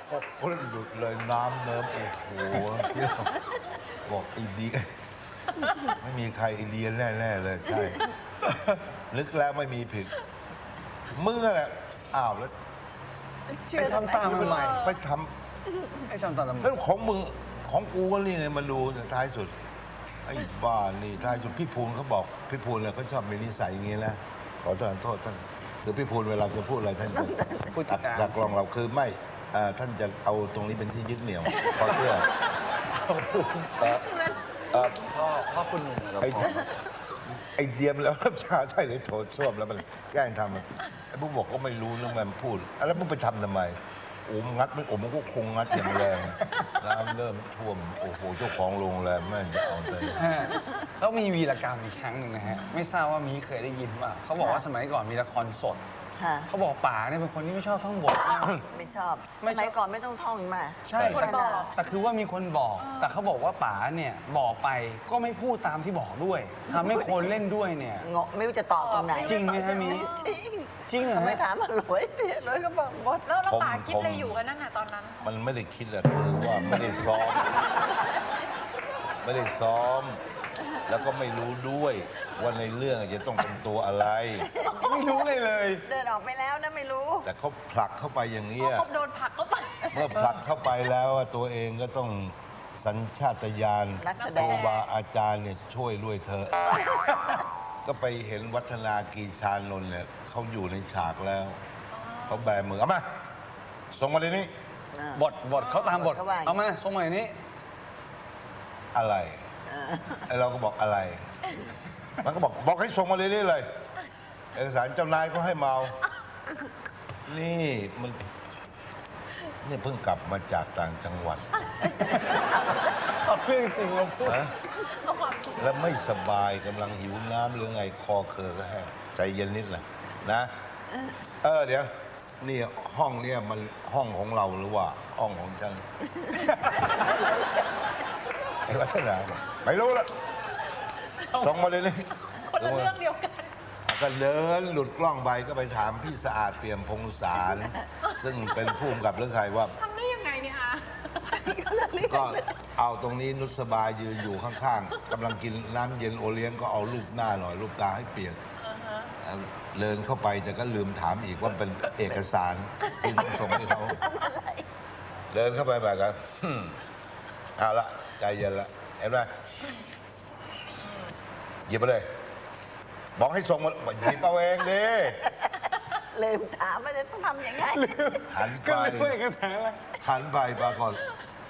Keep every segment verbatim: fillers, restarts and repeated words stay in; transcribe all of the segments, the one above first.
หกคนหลุดเลยน้ำเนิ้มโอ้โหบอกไอ้ดีไม่มีใครไอเดียแน่ๆเลยใช่นึกแล้วไม่มีผิดมึงอะไรอ้าวแล้วไปทำตามมันใหม่ไปทไอ้ทำตามมันำแล้วของมึงของกูก็นี่ไงมาดูท้ายสุดไอ้บ้านี่ท้ายสุดพี่ภูลเขาบอกพี่ภูลเนี่ยเขาชอบมีนิสัยอย่างนี้นะขอโทษท่านคือพี่ภูลเวลาจะพูดอะไรท่านจะพูดตัดตามจากกลองเราคือไม่เอ่อท่านจะเอาตรงนี้เป็นที่ยึดเหนี่ยวเพราะเพื่อเอ่อเอ่อพ่อพ่อคุณหนุ่มกับไอ้พ่อไอ้เดียมแล้วรับชาใช่เลยโถส้วมแล้วมันแกล้งทำอะไอ้พวกบอกก็ไม่รู้เรื่องมันพูดอะแล้วมึงไปทำทำไมโอ้มงัดไม่โอ้มันก็คงงัดอย่างแรงน้ำเริ่มท่วมโอ้โหเจ้าของโรงแรมแม่งจะเอาใจฮะแล้วมีวีรกรรมอีกครั้งหนึ่งนะฮะ ไม่ทราบว่ามีเคยได้ยินป่ะเขาบอกว่าสมัยก่อนมีละครสดค่ะเขาบอกป๋าเนี่ยเป็นคนที่ไม่ชอบท่องบทมากไม่ชอบไม่สชอบมัยก่อนไม่ต้องท่องมาใช่คนบอกแต่คือว่ามีคนบอก แต่เขาบอกว่าป๋าเนี่ยบอกไปก็ไม่พูดตามที่บอกด้วยทำให้คนเล่นด้วยเนี่ยเงาะไม่รู้จะตอบตรงไหนจริงไหมฮะมีจริงจริงเหรอทำไมฮะถามมันรวยรวยก็บอกหมดแล้วแล้วผมป๋าคิดผมอะไรอยู่กันนั่นน่ะตอนนั้นมันไม่ได้คิดอะคือว่าไม่ได้ซ้อม ไม่ได้ซ้อม แล้วก็ไม่รู้ด้วยว่าในเรื่องจะต้องเป็นตัวอะไรไม่รู้เลยเลยเดินออกไปแล้วนะไม่รู้แต่เขาผลักเข้าไปอย่างนี้พออะครบโดนผลักก็ไปเมื่อผลักเข้าไปแล้วอะตัวเองก็ต้องสัญชาตญาณนักแสคดรูงบาอาจารย์เนี่ยช่วยด้วยเธอะ ก็ไปเห็นวัฒนากีชานนท์เนี่ยเขาอยู่ในฉากแล้วเขาแบมือเอามาส่งมาเลยนี่อ่าบทบทเขาตามบทเขาว่าอย่างนี้เอามาส่งมาอย่างนี้อะไรเออไอเราก็บอกอะไร มันก็บอกบอกให้ส่งมาเลยนี่เลย เอกสารเจ้านายก็ให้เมา นี่มันนี่เพิ่งกลับมาจากต่างจังหวัดเอาเรื่องจริงมาพูดนะแล้วไม่สบายกำลังหิวน้ำหรือไงคอเคอก็แห้งใจเย็นนิดนะนะ เออเดี๋ยว นี่ห้องเนี่ยมันห้องของเราหรือว่าห้องของฉัน ไอ้วัฒนาบอกไม่รู้ละส่งมาเลยนี่คนละเรื่องเดียวกันก็เดินหลุดกล้องไปก็ไปถามพี่สะอาดเปี่ยมพงษาร ซึ่งเป็นผู้กำกับเรื่องใครว่าทำได้ยังไงเนี่ยอาก็เอาตรงนี้นุสบายยืนอยู่ข้างๆกำลังกินน้ำเย็นโอเลี้ยงก็เอารูปหน้าหน่อย รูปตาให้เปลี่ยนเดินเข้าไปแต่ก็ลืมถามอีกว่าเป็นเอกสารที่ต้องส่งให้เขาเดินเข้าไปแบบกันอืมเอาละใจเย็นละเห็นไหมหยิบไปเลย บอกให้ส่งมาบอกหยิบเอาเองดิลืมถามว่าจะต้องทำยังไงหันก็ไปเลยพูดเอกสารอะไรหันไปปรากฏ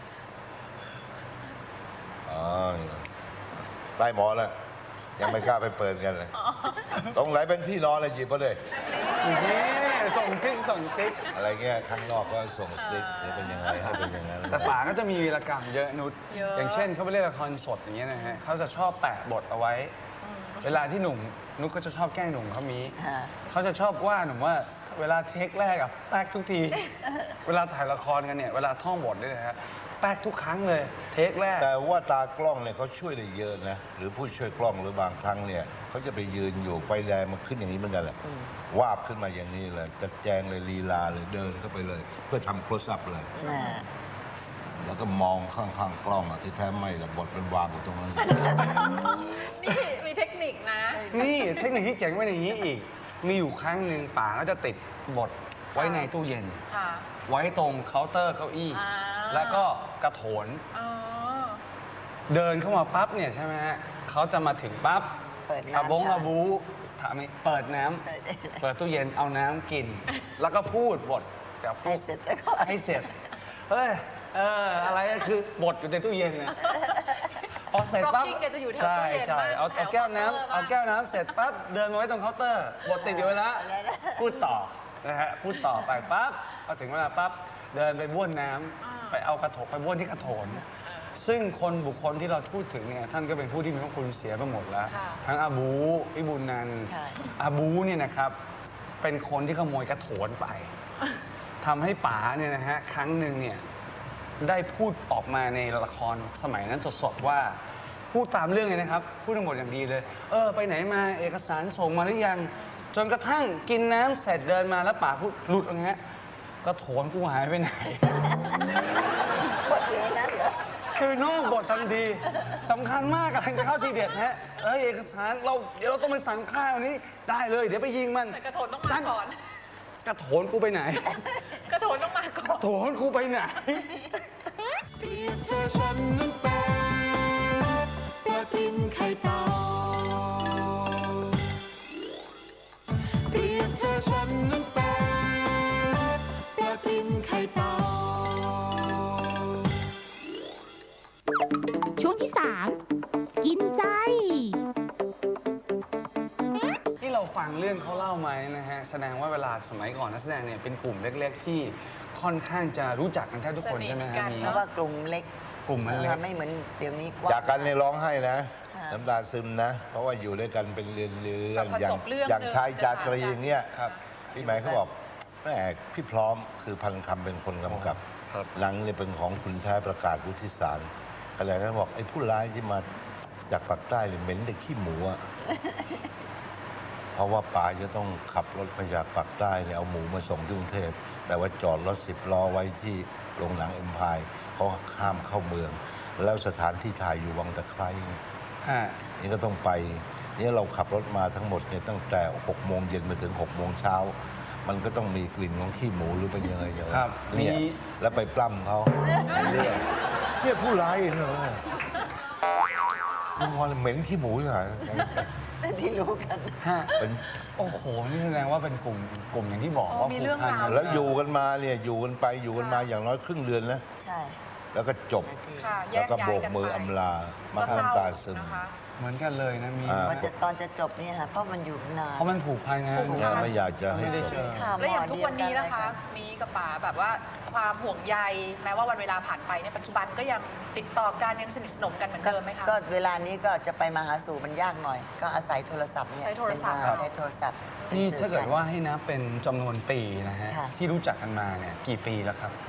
อ๋อใต้หมอนแล้วยังไม่กล้าไปเปิดกันเลย ตรงไหนเป็นที่นอนเลยหยิบมาเลยนี่ส่งซิกส่งซิกอะไรเงี้ยข้างนอกก็ส่งซิกนี่เป็นยังไงให้เป็นอย่างนั้นแต่ป๋าก็จะมีวีรกรรมเยอะนุชเยอะอย่างเช่นเขาไปเล่นละครสดอย่างเงี้ยนะฮะเขาจะชอบแปะบทเอาไว้ เวลาที่หนุ่มนุชก็จะชอบแกล้งหนุ่มเขามีฮะเขาจะชอบว่าหนุ่มว่าเวลาเทคแรกอะแป๊กทุกที เวลาถ่ายละครกันเนี่ยเวลาท่องบทเนี่ยนะฮะแป๊กทุกครั้งเลย เทคแรกแต่ว่าตากล้องเนี่ยเขาช่วยได้เยอะนะ หรือผู้ช่วยกล้องหรือบางครั้งเนี่ยเขาจะไปยืนอยู่ไฟแดงมันขึ้นอย่างนี้เหมือนกันแหละวาบขึ้นมาอย่างนี้เลยจัดแจงเลยลีลาเลยเดินเข้าไปเลย เพื่อทำโคลสอัพเลยน่ะแล้วก็มองข้างๆกล้องอะที่แท้ไม่หรอกบทมันวางอยู่ตรงนั้นนี่มีเทคนิคนะนี่เทคนิคที่เจ๋งไว้ในนี้อีก มีอยู่ครั้งหนึ่งป๋าก็จะติดบทไว้ในตู้เย็นค่ะไว้ตรงเคาน์เตอร์เก้าอี้อ่าแล้วก็กระโถนอ๋อเดินเข้ามาปั๊บเนี่ยใช่ไหมฮะเขาจะมาถึงปั๊บเปิดอาน้ำบงค่ะอาบูถามไหมเปิดน้ำเปิดเปิดตู้เย็นเอาน้ำกิน แล้วก็พูดบทกับให้เสร็จซะก่อนให้เสร็จ เฮ้ย เออ อะไรก็คือบทอยู่ในตู้เย็นเนี่ยพอเสร็จปั๊บ Rocking แกจะอยู่แถวใช่ตู้เย็นใช่บ้างเอาแถเอาวแก้วน้ำเคาน์เตอร์บ้างเอาแก้วน้ำเสร็จปั๊บเดินมาไว้ตรงเคาน์เตอร์ บทติดอยู่แล้วพูดต่อนะฮะพูดต่อไปปั๊บพอถึงเวลาปั๊บเดินไปบ้วนน้ำไปเอากระโถนไปบ้วนที่กระโถน ซึ่งคนบุคคลที่เราพูดถึงเนี่ยท่านก็เป็นผู้ที่มีพระคุณเสียไปหมดแล้วค่ะทั้งอาบูพิบูลนันท์ใช่อาบูเนี่ยนะครับ เป็นคนที่ขโมยกระโถนไปทำให้ป๋าเนี่ยนะฮะครั้งหนึ่งเนี่ยได้พูดออกมาในละครสมัยนั้นสดๆว่า พูดตามเรื่องเลยนะครับ พูดทั้งหมดอย่างดีเลย เออ ไปไหนมาเอกสารส่งมาหรือยัง จนกระทั่งกินน้ำเสร็จเดินมาแล้วป๋าพูดหลุดอย่างเงี้ยกระโถนกูหายไปไหนบทอยู่ในนั้นเหรอคือนอกบททันทีสำคัญมากกำลังจะเข้าทีเด็ดฮะเอ้ยเอกสารเราเดี๋ยวเราต้องไปสั่งข้าวนี้ได้เลย เดี๋ยวไปยิงมันแต่กระโถนต้องมาก่อนกระโถนกูไปไหนกระโถนต้องมาก่อก นระโถนกูไปไหนเปรียบเธอฉันนั้นเป็นปลาทินไข่เต่าเปรียบเธอฉันนั้นเป็นปลาทินไข่เต่าช่วงที่สามกินใจที่เราฟังเรื่องเขาเล่ามาเนี่ยนะฮะแสดงว่าเวลาสมัยก่อนนักแสดงเนี่ยเป็นกลุ่มเล็ก ๆ ที่ค่อนข้างจะรู้จักกันแทบทุกคนสนิทใช่ไหมฮะกันมีเพราะว่ากลุ่มเล็กกลุ่มมันเล็กไม่เหมือนเดี๋ยวนี้กว้างจากกันในร้องให้นะค่ะน้ำตาซึมนะ เพราะว่าอยู่ด้วยกันเป็นเรือนเรือนพออย่างจบเรื่องอย่างหนึ่งชายจาตรีจะถามอย่างเงี้ยครับพี่หมายเขาบอกแม่พี่พร้อมคือพันคำเป็นคนกำกับครับหนังเนี่ยเป็นของคุณแท้ประกาศวุฒิสารอะไรก็บอกไอ้ผู้ร้ายที่มาจากปากใต้เนี่ยเหม็นแต่ขี้หมูอะ เพราะว่าป๋าจะต้องขับรถมาจากปากใต้เนี่ยเอาหมูมาส่งที่กรุงเทพแต่ว่าจอดรถสิบล้อไว้ที่โรงหนังเอ็มพายเขาห้ามเข้าเมือง แล้วสถานที่ถ่ายอยู่วังตะไคร้ฮะนี่ก็ต้องไปนี่เราขับรถมาทั้งหมดเนี่ยตั้งแต่หกโมงเย็นมาถึงหกโมงเช้า มันก็ต้องมีกลิ่นของขี้หมูหรือเป็นยังไงอย่างครับเนี่ยมีแล้วไปปล้ำเขาในเรื่องเนี่ยผู้ร้ายเนอะคุณพอเหม็นขี้หมูอยู่ไหนที่รู้กันฮะเป็นโอ้โห นี่แสดงว่าเป็นกลุ่มกลุ่มอย่างที่บอกอ๋อว่ามีผูเรื่กองพันราวกันแล้วอยู่กันมาเนี่ยอยู่กันไปอยู่กันมาอย่างน้อยครึ่งเดือนนะใช่แล้วก็จบนาทีค่ะแยแล้วกก็ย้ายโบกกันมือไปอำลา มาก็เศร้น้ำตาซึมนะคะเหมือนกันเลยนะมีอ่าว่าจะตอนจะจบเนี่ยค่ะเพราะมันอยู่นานเพราะมันผูกพันไงผูกเนี่ยไม่อยากจะให้ไม่ได้จเจบอข่าวหมแล้วออย่างทุกวันนี้นะคะ มีกับป๋าแบบว่าความห่วงใยแม้ว่าวันเวลาผ่านไปในยปัจจุบันก็ยังติดต่อกันยังสนิทสนมกันเหมือนเดิมไหมคะก็เวลานี้ก็จะไปมาหาสู่มันยากหน่อย ก็อาศัยโทรศัพท์เนี่ยใช้โทรศัพท์เป็นมาใช้โทรศัพท์ป็นี่สื่อถ้าเกิดว่าให้นับเป็นจำนวนปีนะฮะค่ะที่รู้จักกันมาเนี่ยกี่ปีแล้วครับ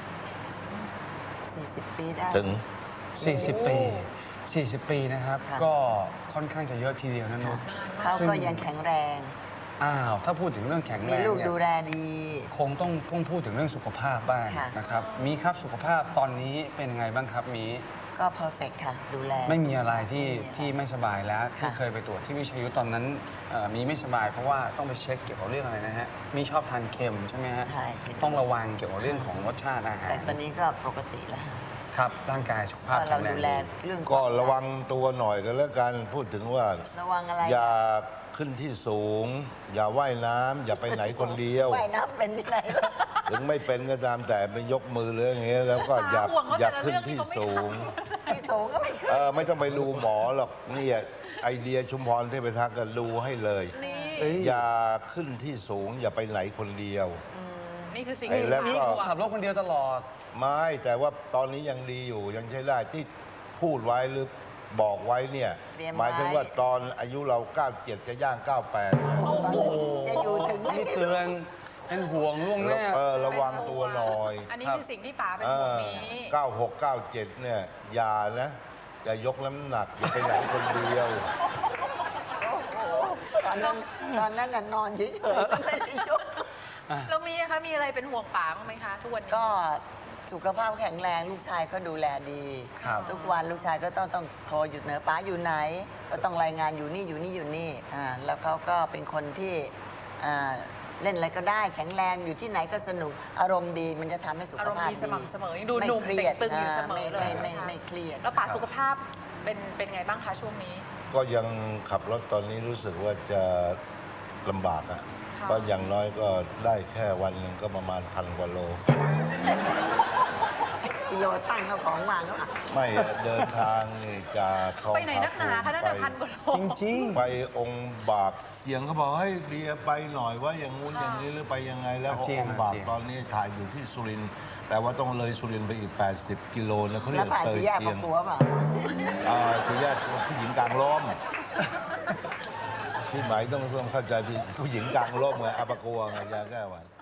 สี่สิบปีได้ถึง 40 ปี 40 ปีนะครับค่ะก็ค่อนข้างจะเยอะทีเดียวนะนุชเขาซึ่งก็ยังแข็งแรงอ้าวถ้าพูดถึงเรื่องแข็งแรมีงลูกเนี่ยดูแลดีคงต้องต้องพูดถึงเรื่องสุขภาพบ้างค่ะนะครับมีครับสุขภาพตอนนี้เป็นยังไงบ้างครับมีก็เพอร์เฟกค่ะ ดูแลไม่มีอะไรที่ไม่มีอะไรที่ไม่สบายแล้วที่ค่ะเคยไปตรวจที่วิชัยยุทธตอนนั้นเอ่อมีไม่สบายเพราะว่าต้องไปเช็คเกี่ยวกับเรื่องอะไรนะฮะมีชอบทานเค็มใช่ไหมฮะใช่ต้องระวังเกี่ยวกับเรื่องของรสชาติอาหารแต่ตอนนี้ก็ปกติแล้วค่ะครับร่างกายสุขภาพก็แข็เรางแรดูงแลดีเรื่องก็ระวังตัวหน่อยกันแล้วกันพูดถึงว่าระวังอะไรอย่าขึ้นที่สูง อย่าว่ายน้ำอย่าไปไหนคนเดียวว่ายน้ำเป็นที่ไหนล่ะถึงไม่เป็นก็ตามแต่ไปยกมือหรืออย่างเงี้ยแล้วก็อย่าห่วงว่าอย่าแต่ละขึ้นเรื่องที่ที่เขาไม่สูงที่สูงก็ไม่ขึ้นเออไม่ต้องไปดูหมอหรอกเนี่ยไอเดียชุมพรเทพทักษ์ก็ดูให้เลยนี่เอ้ยอย่าขึ้นที่สูง อย่าไปไหนคนเดียวนี่คือสิ่งไอ้ที่แล้วป๋าก็ห่วงขับรถคนเดียวตลอดไม่แต่ว่าตอนนี้ยังดีอยู่ยังใช้ได้ที่พูดไว้หรือบอกไว้เนี่ยเตรียมไว้หมายถึงว่าตอนอายุเรา เก้าเจ็ด จะย่าง เก้าแปดโอ้โหจะอยู่ถึงไหมนี่เตือนเป็นห่วงล่วงหน้าเออระวังตัวหน่อยอันนี้ครับคือสิ่งที่ป๋าเป็นเอห่วงอนี้เก้าหก เก้าเจ็ด เนี่ย อย่านะ อย่ายกน้ำหนัก อย่าไปไหนคนเดียวโอ้โหตอนนั้นตอนนั้นน่ะนอนเฉยๆไม่ได้ยกแล้วมีอะคะมีอะไรเป็นห่วงป๋าบ้างไหมคะ ทุกวันนี้ก็สุขภาพแข็งแรงลูกชายก็ดูแลดีครับทุกวันลูกชายก็ต้องต้องโทรหยุดเหนือป้าอยู่ไหน ก็ต้องรายงานอยู่นี่อยู่นี่อยู่นี่อ่าแล้วเขาก็เป็นคนที่อ่าเล่นอะไรก็ได้แข็งแรงอยู่ที่ไหนก็สนุกอารมณ์ดีมันจะทำให้สุขอารมณ์ภาพดีดีสม่ำเสมอยังดูไม่หนุ่มเครียดเต่งตึงอยู่เสมอไม่เลยไม่ไม่นะคะไม่เครียดแล้วป๋าสุขภาพเป็นเป็นไงบ้างคะช่วงนี้ก็ยังขับรถตอนนี้รู้สึกว่าจะลำบากอะค่ะเพราะอย่างน้อยก็ได้แค่วันหนึ่งก็ประมาณพันกว่าโลกิโลตั้งเขาของวางแล้วอ่ะไม่อะเดินทางนี่จากทองไปไหนนักหนาคะตั้งแต่พันกว่าโลจริงไปองค์บากเสียงเขาบอกให้ยเดียไปหน่อยว่าอย่างงู้นค่ะอย่างนี้หรือไปยังไงแล้วอาเจียนองค์บากอาเจียนตอนนี้ถ่ายอยู่ที่สุรินทร์แต่ว่าต้องเลยสุรินทร์ไปอีก แปดสิบ กิโลนะเขาเรีแล้ยว กผ่านเตยสี่แยกเจีปะยงปัวเปล่าอ่าสี่แยกผู้หญิงกลางร่มพี่หมายต้องต้องเข้าใจพี่ผู้หญิงกลางร่มไงอาปะกัวไงยาแก้หวัด